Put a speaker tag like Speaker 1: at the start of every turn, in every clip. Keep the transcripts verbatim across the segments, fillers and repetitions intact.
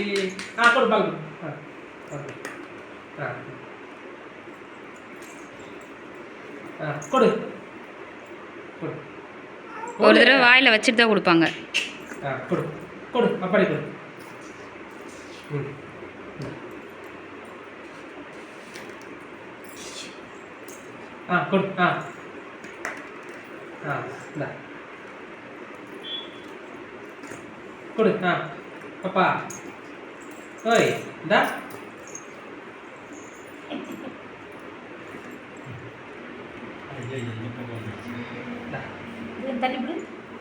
Speaker 1: ஆ கொடு பால் கொடு. ஆ ஆ கொடு கொடு.
Speaker 2: ஒரு தடவை வாயில் வச்சுட்டு தான் கொடுப்பாங்க.
Speaker 1: ஆ கொடு கொடு அப்பாடி கொடு. ம் ஆ கொடு. ஆ ஆ இந்தா கொடு. ஆ பாப்பா ஓய் இந்தா
Speaker 3: தள்ளி விடு.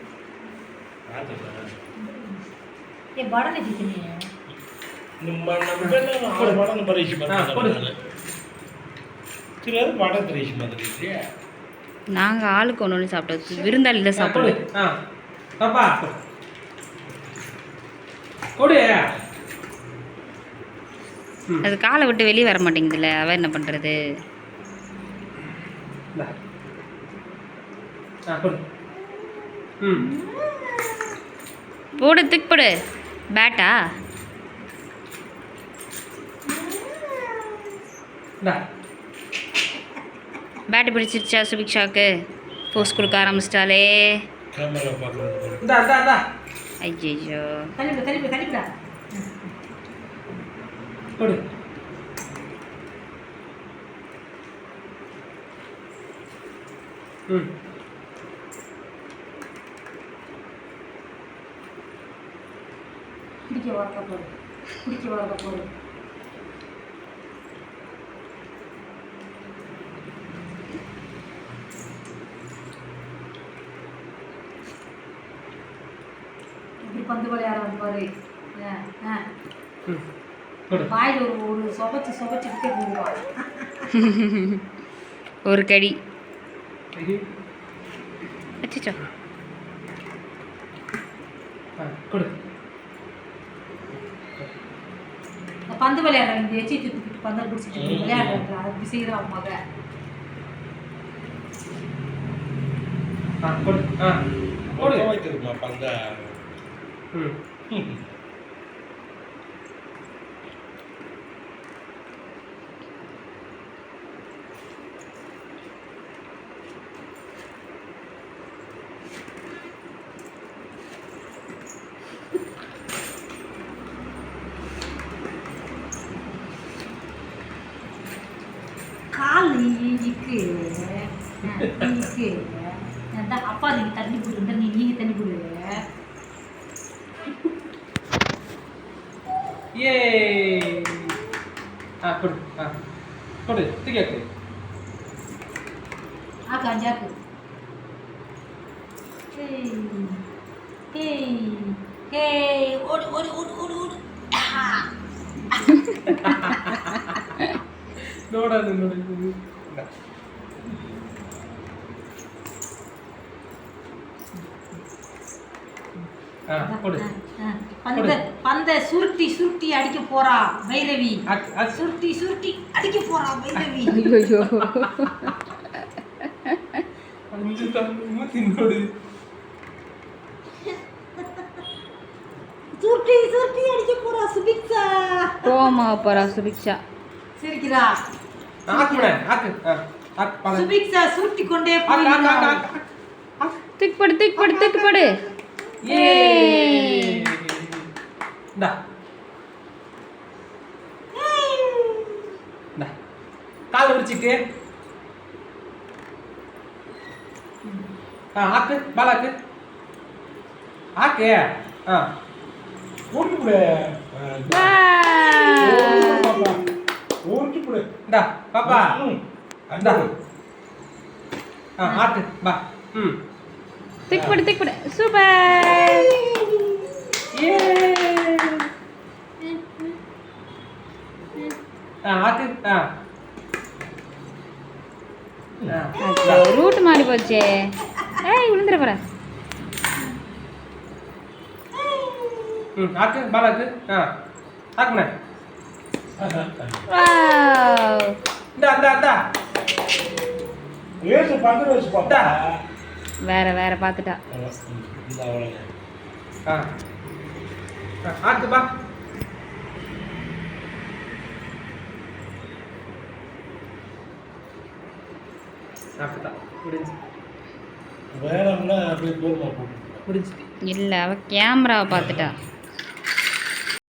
Speaker 3: ஏ படனை கிட்டனே
Speaker 4: நம்ம நம்ம ஆறு படம் பரிசு பண்ணாங்க. சரி அது படம் பரிசு மாதிரி.
Speaker 2: நாங்கள் ஆளுக்கு ஒன்று ஒன்று சாப்பிட்டோம். விருந்தாளி தான் சாப்பிடுவோம்.
Speaker 1: ஆ பாப்பா கொடு.
Speaker 2: அது காலை விட்டு வெளியே வர மாட்டேங்குதுல்ல, அவ என்ன பண்ணுறது?
Speaker 1: ம்
Speaker 2: போடு திக் போடு. பேட்டா பேட்டு பிடிச்சிருச்சா சுபிக்ஷாவுக்கு? போஸ்ட் கொடுக்க ஆரம்பிச்சிட்டாலே. ஐயோ
Speaker 3: தள்ளி தள்ளி தள்ளிவிடா.
Speaker 1: கொடு. ம்
Speaker 3: குடிக்க வளர்க்க போடு. குடிக்க வளர்க்க போடு. இப்படி பந்து விளையாட பாரு. வாயில் ஒரு ஒரு சொபச்சு சொபச்சுக்கிட்டே போடுவான்.
Speaker 2: ஒரு கடி அச்சோ.
Speaker 1: கொடு.
Speaker 3: பந்து விளையாடுற இந்த எச்சி தூக்கிட்டு பந்தல் பிடிச்சிட்டு விளையாடுறாங்க. அது செய்கிறான் மக.
Speaker 1: ஆ கொடு. ஆ கொடு
Speaker 4: வைத்திருமா பந்த.
Speaker 1: ம்
Speaker 3: கால் இருக்கு இருக்கு. அப்பா நீங்கள் தண்ணி போடுங்க. நீ நீங்கள் தண்ணி போடுங்க.
Speaker 1: ஏ ஆ கொடு. ஆ கொடு தூக்கி.
Speaker 3: ஆக்கு அஞ்சாக்கு. ஓடு ஓடு ஓடு ஓடு ஓடு.
Speaker 1: நோடாது நோடாது. ஆ கொடு.
Speaker 3: பந்த பந்த சுருட்டி சுருட்டி அடிக்க போறா பைரவி. சுருட்டி சுருட்டி அடிக்க போறா பைரவி.
Speaker 2: ஐயோ
Speaker 1: அஞ்சு தம்பி தின்னோடு.
Speaker 3: சுருட்டி சுருட்டி அடிக்க போறா சுபிக்ஷா.
Speaker 2: கோமா போறா சுபிக்ஷா.
Speaker 3: சிரிக்கிறா.
Speaker 1: ஆக்குடா ஆக்கு. ஆக்கு பாரு.
Speaker 3: சுபிக்ஷா சுருட்டி கொண்டே போறா.
Speaker 2: திக் படு திக் படு திக் படு.
Speaker 1: ஏ டா டா கால் விரிச்சிட்டு. ஆ ஆக்கு பாலாக்கு. ஆக்கு. ஆ
Speaker 4: ஊட்டி புடு. ஊட்டி புடு.
Speaker 1: டா பாப்பா. டா ஆ ஆக்கு பா. ம்
Speaker 2: திக் படு திக் படு. சூப்பர்.
Speaker 1: ஏ ஆ ஆக்கு. ஆ
Speaker 2: ரூட் மாறி போச்சே. ஏய் விழுந்துற போற.
Speaker 1: ம் ஆக்கு பாலாக்கு. ஆ ஆக்குண்ணே.
Speaker 2: வாவ்.
Speaker 1: இந்தா இந்தா இந்தா.
Speaker 4: ஏசு பந்து வச்சு பாப்பா.
Speaker 2: வேற வேற பார்த்துட்டா.
Speaker 4: இந்த அவளே.
Speaker 1: ஆ ஆக்கு பா. அப்படிதான் முடிஞ்சு
Speaker 4: வேணும்னா அப்படியே தூரமாக போட்டு
Speaker 1: முடிஞ்சு
Speaker 2: இல்லை அவள் கேமராவை பார்த்துட்டா